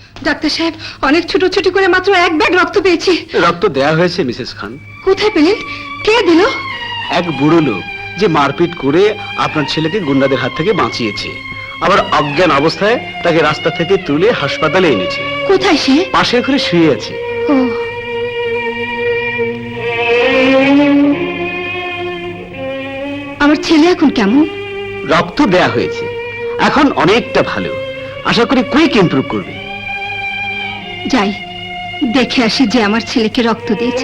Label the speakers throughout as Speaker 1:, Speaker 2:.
Speaker 1: Doctor সাহেব, অনেক ছুটোছুটি করে মাত্র 1 ব্যাগ রক্ত পেয়েছি।
Speaker 2: রক্ত দেয়া হয়েছে মিসেস খান।
Speaker 1: কোথায় পেলেন? কে দিল?
Speaker 2: এক বুড়ো লোক যে মারপিট করে আপনার ছেলেকে গুন্ডাদের হাত থেকে বাঁচিয়েছে, আবার অজ্ঞান অবস্থায় তাকে রাস্তা থেকে তুলে হাসপাতালে এনেছে।
Speaker 1: কোথায় সে?
Speaker 2: পাশের ঘরে শুয়ে আছে।
Speaker 1: ও, আমার ছেলে এখন কেমন?
Speaker 2: রক্ত দেয়া হয়েছে, এখন অনেকটা ভালো, আশা করি কুইক ইমপ্রুভ করবে।
Speaker 1: যাই দেখে আসি যে আমার ছেলেকে রক্ত দিয়েছে।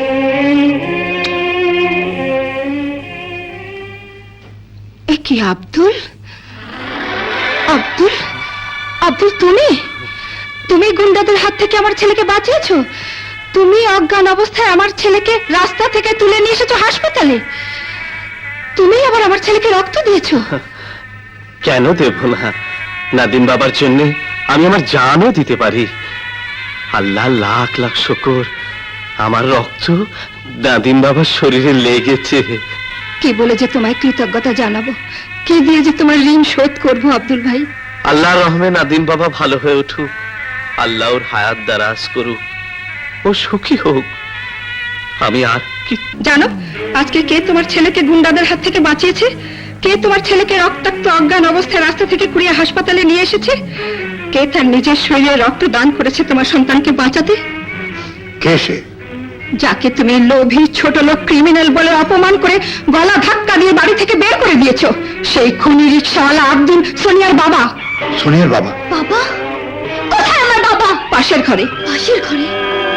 Speaker 1: এ কি আব্দুল? আব্দুল, আব্দুল, তুমি গুন্ডাদের হাত থেকে আমার ছেলেকে বাঁচিয়েছো? তুমি অজ্ঞান অবস্থায় আমার ছেলেকে রাস্তা থেকে তুলে নিয়ে এসেছো হাসপাতালে? তুমি আবার আমার ছেলেকে রক্ত দিয়েছো?
Speaker 2: কেন দেব না? নাদিম বাবার জন্য আমি আমার জানও দিতে পারি। আল্লাহ লাখ লাখ শুকর, আমার রক্ত নাদিম বাবার শরীরে লেগেছে।
Speaker 1: কি বলে যে তোমায় কৃতজ্ঞতা জানাবো, কি দিয়ে যে তোমার ঋণ শোধ করবো আব্দুল ভাই?
Speaker 2: আল্লাহর রহমে নাদিম বাবা ভালো হয়ে উঠুক, আল্লাহ ওর হায়াত দারাজ করুক, ও সুখী হোক। আমি আর কি
Speaker 1: জানো আজকে কে তোমার ছেলেকে গুন্ডাদের হাত থেকে বাঁচিয়েছে? কে তোমার ছেলেকে রক্তাক্ত অজ্ঞান অবস্থায় রাস্তা থেকে কুড়িয়ে হাসপাতালে নিয়ে এসেছে? কে তার নিজের শরীরে রক্ত দান করেছে তোমার সন্তানকে বাঁচাতে?
Speaker 2: কে সে?
Speaker 1: যাকে তুমি লোভী ছোট লোক ক্রিমিনাল বলে অপমান করে গলা ধাক্কা দিয়ে বাড়ি থেকে বের করে দিয়েছো, সেই খুনি রিকশাওয়ালা আব্দুল, সোনিয়ার বাবা।
Speaker 2: সোনিয়ার বাবা?
Speaker 1: বাবা? কোথায় আমার বাবা? পাশের ঘরে। পাশের ঘরে?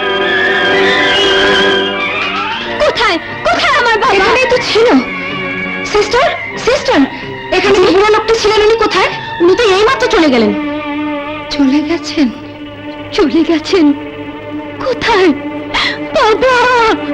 Speaker 1: কোথায় কোথায় আমার বাবা? এখানেই তো ছিল। সিস্টার, সিস্টার, এখানে বুড়ো লোকটা ছিলেন, উনি কোথায়? উনি তো এইমাত্র চলে গেলেন। চলে গেছেন? চলে গেছেন কোথায়? বাবা!